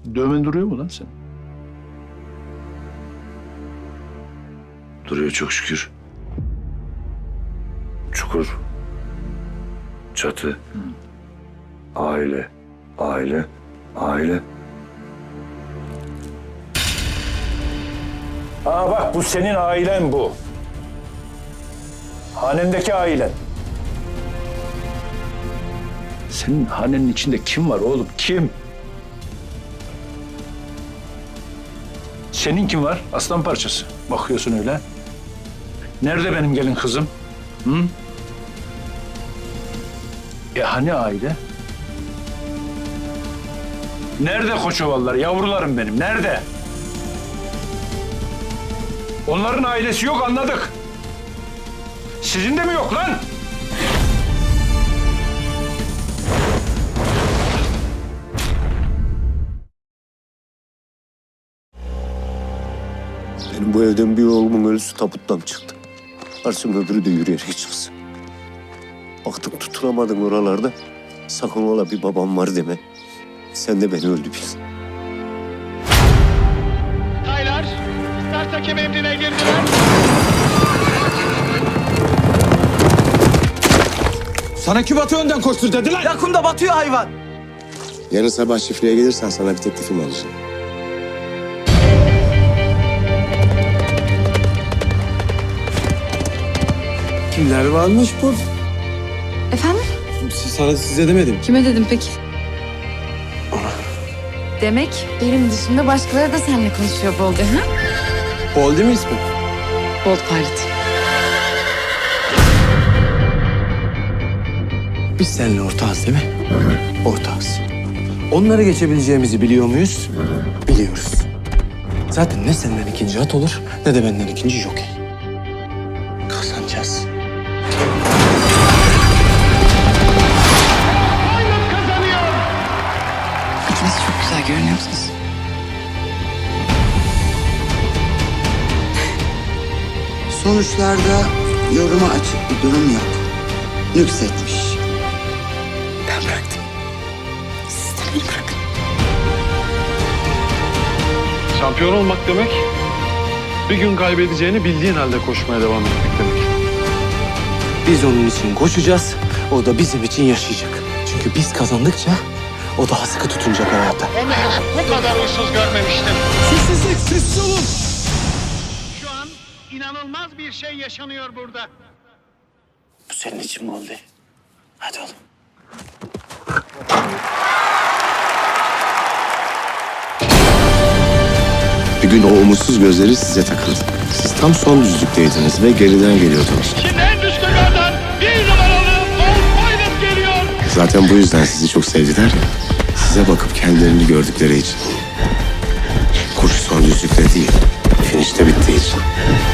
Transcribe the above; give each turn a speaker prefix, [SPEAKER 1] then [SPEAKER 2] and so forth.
[SPEAKER 1] Dövmen duruyor mu lan sen?
[SPEAKER 2] Duruyor çok şükür. Çukur. Çatı. Aile. Aile. Aile.
[SPEAKER 1] Aa bak, bu senin ailen bu. Hanendeki ailen. Senin hanenin içinde kim var oğlum? Kim? Senin kim var? Aslan parçası. Bakıyorsun öyle. Nerede benim gelin kızım? Hı? Hani aile? Nerede Koçovalılar? Yavrularım benim. Nerede? Onların ailesi yok, anladık. Sizin de mi yok lan?
[SPEAKER 3] Benim bu evden bir oğlumun ölüsü tabuttan çıktı. Karşım öbürü de yürüyerek çıksın. Baktım tutunamadın oralarda. Sakın ola bir babam var deme. Sen de beni öldü bil.
[SPEAKER 4] Taylar, start hakem emrine girdiler.
[SPEAKER 5] Sana kim Batı önden koştur dediler.
[SPEAKER 6] Yakında batıyor hayvan.
[SPEAKER 3] Yarın sabah çiftliğe gelirsen sana bir teklifim olacak.
[SPEAKER 5] Kimler varmış bu?
[SPEAKER 7] Efendim?
[SPEAKER 5] Size demedim.
[SPEAKER 7] Kime dedim peki? Demek benim dışında başkaları da seninle konuşuyor Bolde, ha?
[SPEAKER 5] Bol değil mi ismi?
[SPEAKER 7] Bold Pilot.
[SPEAKER 5] Biz seninle ortağız değil mi? Ortağız. Onları geçebileceğimizi biliyor muyuz? Biliyoruz. Zaten ne senden ikinci at olur ne de benden ikinci jokey. Kazanacağız.
[SPEAKER 7] İkiniz çok güzel görünüyorsunuz.
[SPEAKER 6] Sonuçlarda yoruma açık bir durum yok. Nüksetmiş.
[SPEAKER 7] Ben bıraktım. Siz de beni bırakın.
[SPEAKER 8] Şampiyon olmak demek, bir gün kaybedeceğini bildiğin halde koşmaya devam etmek demek.
[SPEAKER 5] Biz onun için koşacağız, o da bizim için yaşayacak. Çünkü biz kazandıkça o daha sıkı tutunacak hayata.
[SPEAKER 4] Onu bu kadar uysuz görmemiştim.
[SPEAKER 5] Sessizlik, sessiz olun!
[SPEAKER 4] Şu an inanılmaz bir şey yaşanıyor burada.
[SPEAKER 5] Bu senin için mi oldu? Hadi oğlum.
[SPEAKER 3] Bir gün o umutsuz gözleri size takıldı. Siz tam son düzlükteydiniz ve geriden geliyordunuz.
[SPEAKER 4] Şimdi en düşkünlerden bir numaralı Bold Pilot geliyor.
[SPEAKER 3] Zaten bu yüzden sizi çok sevdiler ya. Size bakıp kendilerini gördükleri için. Koşu son düzlükte değil, finişte bittiği için.